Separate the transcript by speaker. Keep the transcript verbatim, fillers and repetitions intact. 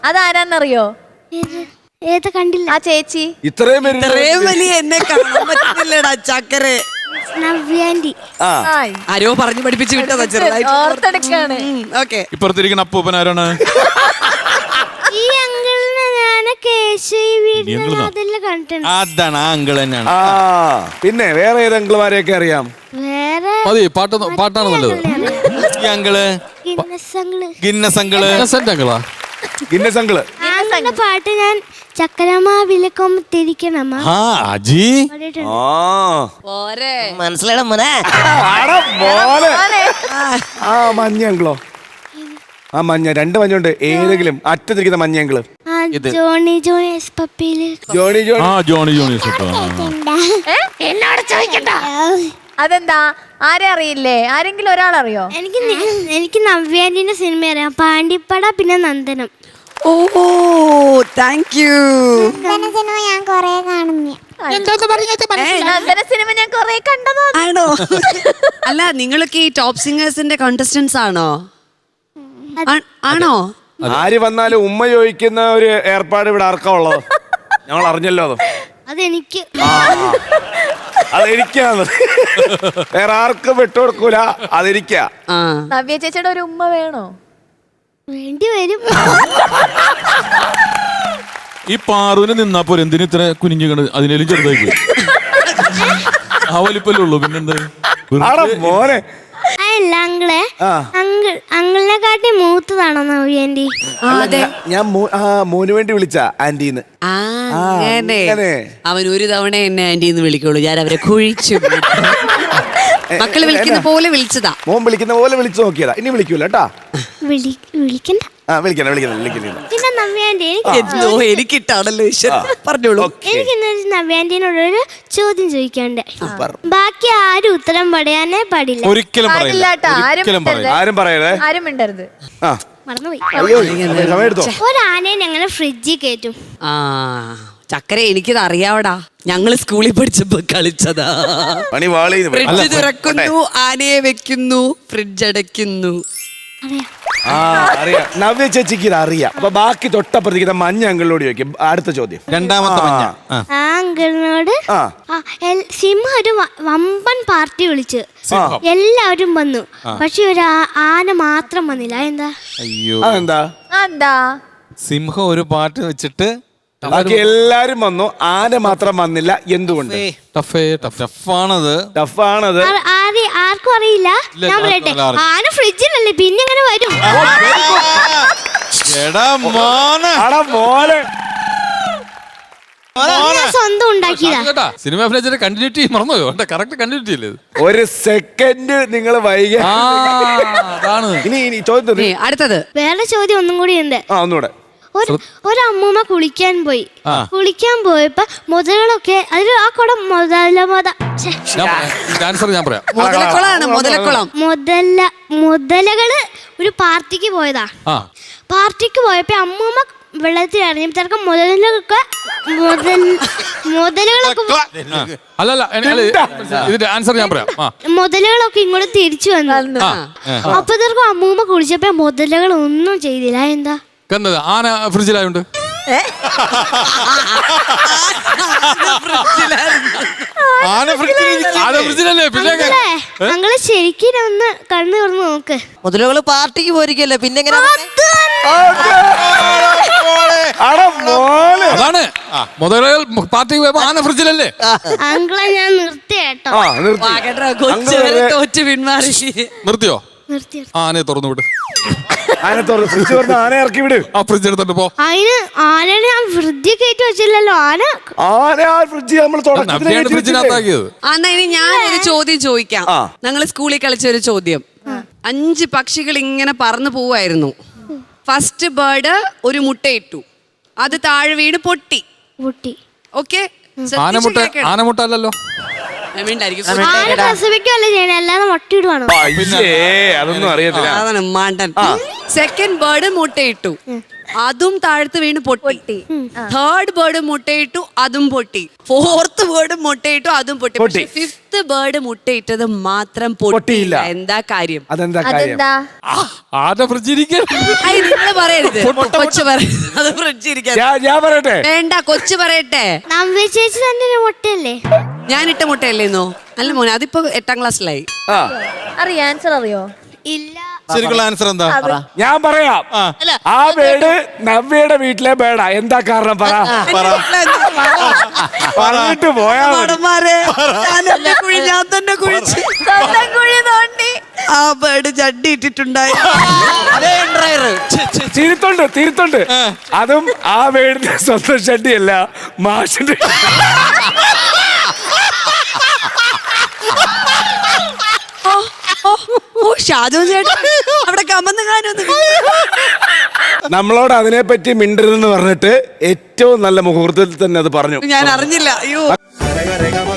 Speaker 1: അതാരാന്നറിയോ?
Speaker 2: ഏത് കണ്ടില്ല?
Speaker 1: ആ ചേച്ചി.
Speaker 3: ഇത്രയും
Speaker 4: ഇത്രയും വലിയ എന്നെ കാണാൻ പറ്റുന്നില്ലടാ ചക്കരെ.
Speaker 2: നവ്യാന്റി.
Speaker 4: ആരോ പറഞ്ഞു പഠിപ്പിച്ചു വിട്ടതാ ചെറുതായിട്ട്.
Speaker 1: ഓർത്തെടുക്കാണ്.
Speaker 4: ഓക്കെ.
Speaker 5: ഇപ്പുറത്തിരിക്കുന്ന അപ്പൂപ്പൻ ആരാണ്?
Speaker 2: ഈ അങ്കിളിനെ ഞാൻ കണ്ടിട്ടുണ്ട്.
Speaker 5: അതാണ് ആ അങ്കിൾ തന്നെയാണ്.
Speaker 3: ആ പിന്നെ വേറെ ഏത് അങ്കിളുമാരെയൊക്കെ അറിയാം?
Speaker 2: വേറെ
Speaker 5: മതി, പാട്ട് പാട്ടാണ് നല്ലത്. ഈ uncle
Speaker 2: Guinness uncle.
Speaker 5: Guinness uncle അങ്കിളാ.
Speaker 3: ഗിന്നസ് അങ്കിള്
Speaker 2: ആങ്ങളുടെ പാട്ട് ഞാൻ ചക്കരമാവിലക്കൊമ്പത്തിരിക്കണമ്മ.
Speaker 5: ആ അജി
Speaker 4: മനസ്സിലായ മോനെ.
Speaker 3: ആ മഞ്ഞ അങ്കിളോ? ആ മഞ്ഞ രണ്ട് മഞ്ഞുണ്ട്. ഏതെങ്കിലും അറ്റത്തിരിക്കുന്ന മഞ്ഞ അങ്കിള്?
Speaker 2: ജോണി ജോണി എസ് പപ്പിയില്.
Speaker 3: Johnny Johnny.
Speaker 5: ആ ജോണി ജോണി.
Speaker 1: എന്നോട് ചോദിക്കണ്ട. അതെന്താ? ആരെ അറിയില്ലേ? ആരെങ്കിലും ഒരാളറിയോ?
Speaker 2: എനിക്ക് എനിക്ക് നവ്യാന്റിന്റെ സിനിമ അറിയാം. പാണ്ടിപ്പട പിന്നെ Nandanam.
Speaker 4: Oh thank you.
Speaker 2: Cinema ഞാൻ കൊറേ കാണുന്നു.
Speaker 1: നന്ദന സിനിമ ഞാൻ കൊറേ കണ്ടതോ.
Speaker 4: ആണോ? അല്ല നിങ്ങളൊക്കെ ഈ ടോപ്പ് സിംഗേഴ്സിന്റെ കോntestants ആണോ? ആണോ?
Speaker 3: ആര് വന്നാലും ഉമ്മ ചോദിക്കുന്ന ഒരു ഏർപ്പാട് ഇവിടെ ആർക്കാ ഉള്ളത്? ഞങ്ങൾ അറിഞ്ഞല്ലോ അത്.
Speaker 2: അതെനിക്ക്
Speaker 3: അതെനിക്കാണ്. വേറെ ആർക്കും വിട്ടുകൊടുക്കൂല. അതെനിക്കാ.
Speaker 1: നവ്യ ചേച്ചിയുടെ ഒരു ഉമ്മ വേണോ?
Speaker 2: വേണ്ടി വരും.
Speaker 5: ഈ പാറുവിന് നിന്നാ പോരെ, എന്തിനു ഇത്ര കുനിഞ്ഞു? അതിനേലും ചെറുതായി ആ വലിപ്പല്ലേ ഉള്ളൂ. പിന്നെന്താ
Speaker 3: മോനെ?
Speaker 2: അല്ല അങ്കിളെ, അങ്കിൾ അങ്കിളിനെ കാട്ടി മൂത്തതാണോ നവ്യാന്റി?
Speaker 3: ഞാൻ മോന് വേണ്ടി വിളിച്ച ആന്റിന്ന്.
Speaker 4: അവൻ ഒരു തവണ എന്നെ ആന്റിന്ന് വിളിക്കുള്ളൂ. ഞാൻ അവരെ കുഴിച്ചു. മക്കള് വിളിക്കുന്ന പോലെ വിളിച്ചതാ.
Speaker 3: മോൻ വിളിക്കുന്ന പോലെ വിളിച്ചു നോക്കിയതാ. ഇനി വിളിക്കൂല കേട്ടാ.
Speaker 2: വിളിക്കണ്ട.
Speaker 3: ആ വിളിക്കണം വിളിക്കണം വിളിക്കണം.
Speaker 2: പിന്നെ നവ്യാന്റി
Speaker 4: എന്തോ എനിക്കിട്ടാണല്ലോ പറഞ്ഞോളൂ.
Speaker 2: എനിക്ക് ഇന്നൊരു നവ്യാന്റിനോടൊരു ചോദ്യം ചോദിക്കാണ്ട്. ബാക്കി ആരും ഉത്തരം പറയാനേ പാടില്ല.
Speaker 5: ഒരിക്കലും
Speaker 3: ആരും പറയരുത്.
Speaker 1: ആരും മിണ്ടരുത്.
Speaker 2: മറന്നുപോയി.
Speaker 3: സമയെടുത്തോ.
Speaker 2: ഒരാനയെ ഞങ്ങള് ഫ്രിഡ്ജിൽ കയറ്റും.
Speaker 4: ആ ചക്കര എനിക്കിത് അറിയാവടാ. ഞങ്ങള് സ്കൂളിൽ പഠിച്ചപ്പോ കളിച്ചതാ. ഫ്രിഡ്ജ് തുറക്കുന്നു, ആനയെ വെക്കുന്നു, ഫ്രിഡ്ജ് അടയ്ക്കുന്നു.
Speaker 3: ആ അറിയാം. നവ്യ ചേച്ചിക്ക് ഇത് അറിയാം. അപ്പൊ ബാക്കി തൊട്ടപ്പുറത്തേക്ക് മഞ്ഞ അങ്കിളിനോട് ചോദിക്കും. അടുത്ത ചോദ്യം
Speaker 5: രണ്ടാമത്തെ മഞ്ഞ.
Speaker 2: ആ അങ്കിളിനോട് സിംഹ ഒരു വമ്പൻ പാർട്ടി വിളിച്ച് എല്ലാവരും വന്നു. പക്ഷെ ഒരു ആന മാത്രം വന്നില്ല. എന്താ?
Speaker 5: അയ്യോ
Speaker 3: എന്താ?
Speaker 1: എന്താ?
Speaker 5: സിംഹം ഒരു പാട്ട് വെച്ചിട്ട്
Speaker 3: ബാക്കി എല്ലാരും വന്നു, ആന മാത്രം വന്നില്ല. എന്തുകൊണ്ട്?
Speaker 5: ടഫാണത്.
Speaker 3: ടഫാണത്.
Speaker 2: ആർക്കും അറിയില്ല. ഞാൻ പറയട്ടെ, ആന ഫ്രിഡ്ജിലല്ലേ, പിന്നെ എങ്ങനെ വരും? സ്വന്തം ഉണ്ടാക്കിയതാ.
Speaker 5: സിനിമ ഫ്ലെജർ കണ്ടിന്യൂറ്റി മറന്നുപോയോ? കറക്റ്റ് കണ്ടിന്യൂറ്റി അല്ലേ?
Speaker 3: ഒരു സെക്കൻഡ് നിങ്ങൾ വൈകി. ഇനി ഇനി ചോദ്യം
Speaker 4: അടുത്തത്
Speaker 2: വേറെ ചോദ്യം ഒന്നും കൂടി ഉണ്ട്.
Speaker 3: ആ ഒന്നുകൂടെ.
Speaker 2: ഒരമ്മൂമ്മ കുളിക്കാൻ പോയി. കുളിക്കാൻ പോയപ്പോ മുതലകളൊക്കെ അതിൽ ആ കുടം മുതല മുത
Speaker 4: മുതലക്കുളമാണ്. മുതലക്കുളം.
Speaker 2: മുതല മുതലകള് ഒരു പാർട്ടിക്ക് പോയതാ. പാർട്ടിക്ക് പോയപ്പോ അമ്മൂമ്മ വെള്ളത്തിൽ ഇറങ്ങിയപ്പോ മുതലൊക്കെ മുതൽ മുതലുകളൊക്കെ മുതലുകളൊക്കെ ഇങ്ങോട്ട് തിരിച്ചു വന്നു. അപ്പത്തേക്കും അമ്മൂമ്മ കുളിച്ചപ്പോ മുതലകൾ ഒന്നും ചെയ്തില്ല. എന്താ?
Speaker 5: ആന ഫ്രിഡ്ജിലായോണ്ട്.
Speaker 2: ഞങ്ങള് ശരിക്കും ഒന്ന് കണ്ണു തുറന്ന് നോക്ക്.
Speaker 4: മുതലുകള് പാർട്ടിക്ക് പോയിരിക്കല്ലേ, പിന്നെ
Speaker 5: അതാണ് മുതലുകൾ പാർട്ടിക്ക് പോയപ്പോ ആന ഫ്രിഡ്ജിലല്ലേ?
Speaker 2: അങ്കിളെ ഞാൻ നിർത്തി കേട്ടോ.
Speaker 4: തോറ്റ് പിന്മാറി.
Speaker 5: നിർത്തിയോ?
Speaker 2: നിർത്തി.
Speaker 5: ആനയെ തുറന്നു വിട്.
Speaker 3: ആന ഇറക്കി വിട്.
Speaker 5: ആ ഫ്രിഡ്ജ് എടുത്തിട്ട് പോ.
Speaker 2: അതിന് ആനനെ ഞാൻ ഫ്രിഡ്ജിൽ കയറ്റി വെച്ചില്ലല്ലോ. ആന
Speaker 3: ആന ഫ്രിഡ്ജ് നമ്മൾ
Speaker 5: ഫ്രിഡ്ജിനകത്താക്കിയത്.
Speaker 4: എന്നാ ഇനി ഞാൻ ഒരു ചോദ്യം ചോദിക്കാം. ഞങ്ങള് സ്കൂളിൽ കളിച്ച ഒരു ചോദ്യം. അഞ്ച് പക്ഷികൾ ഇങ്ങനെ പറന്നു പോവായിരുന്നു. ഫസ്റ്റ് ബേർഡ് ഒരു മുട്ടയിട്ടു, അത് താഴെ വീണ് പൊട്ടി.
Speaker 2: പൊട്ടി.
Speaker 4: ഓക്കെ.
Speaker 5: ആനമുട്ട ആനമുട്ട അല്ലല്ലോ.
Speaker 2: അല്ലാതെ മുട്ടയിടുവാണോ?
Speaker 3: അതൊന്നും അറിയത്തില്ല.
Speaker 4: മാണ്ടൻ. സെക്കൻഡ് ബേർഡ് മുട്ടയിട്ടു, അതും താഴത്ത് വീണ് പൊട്ടി.
Speaker 1: പൊട്ടി.
Speaker 4: തേർഡ് ബേർഡ് മുട്ടയിട്ടു, അതും പൊട്ടി. ഫോർത്ത് ബേർഡ് മുട്ടയിട്ടു, അതും പൊട്ടി.
Speaker 3: പൊട്ടി.
Speaker 4: പക്ഷെ ഫിഫ്ത്ത് ബേർഡ് മുട്ടയിട്ടത് മാത്രം
Speaker 3: പൊട്ടിയില്ല.
Speaker 4: പൊട്ടിയില്ല. എന്താ കാര്യം?
Speaker 3: അതെന്താ കാര്യം?
Speaker 1: അതെന്താ?
Speaker 5: ആരുടെ ഫ്രിഡ്ജിരിക്കാൻ
Speaker 4: നിങ്ങള് പറയരുത്. കൊച്ചു പറ അത് ഫ്രിഡ്ജിരിക്കാൻ
Speaker 3: ഞാൻ ഞാൻ പറയട്ടെ,
Speaker 4: വേണ്ട. കൊച്ചു പറയട്ടെ.
Speaker 2: നവ്യ ചേച്ചി തന്നെ ഒരു മുട്ടയല്ലേ?
Speaker 4: ഞാൻ ഇട്ട മുട്ടയല്ലേന്നോ? അല്ല മോനെ, അതിപ്പോ എട്ടാം ക്ലാസ്സിലായി.
Speaker 3: ആ
Speaker 1: അറിയോ? ആൻസർ അറിയോ?
Speaker 2: ഇല്ല.
Speaker 5: ശരിക്കുള്ള ആൻസർ എന്താ?
Speaker 3: ഞാൻ പറയാം. ആ ബേഡ് നവ്യയുടെ വീട്ടിലെ ബേഡാ. എന്താ കാരണം പറ. പറഞ്ഞിട്ട് പോയാ മതി.
Speaker 4: മടന്മാരെ, ഞാൻ എന്റെ കുഴി ഞാൻ തന്നെ കുഴിച്ച്
Speaker 1: സ്വന്തം കുഴി തോണ്ടി.
Speaker 4: ആ ബേർഡ് ചട്ടി ഇട്ടിട്ടുണ്ടായി.
Speaker 3: തിരുത്തുണ്ട് തിരുത്തുണ്ട്. അതും ആ ബേഡിന്റെ സ്വന്തം ഷട്ടിയല്ല, മാഷിന്റെ.
Speaker 4: ഓ ഷാജു ചേട്ടൻ അവിടെ കമന്ന് കാണുന്നു.
Speaker 3: നമ്മളോട് അതിനെപ്പറ്റി മിണ്ടരുതെന്ന് പറഞ്ഞിട്ട് ഏറ്റവും നല്ല മുഹൂർത്തത്തിൽ തന്നെ അത് പറഞ്ഞു.
Speaker 4: ഞാൻ അറിഞ്ഞില്ല. അയ്യോ.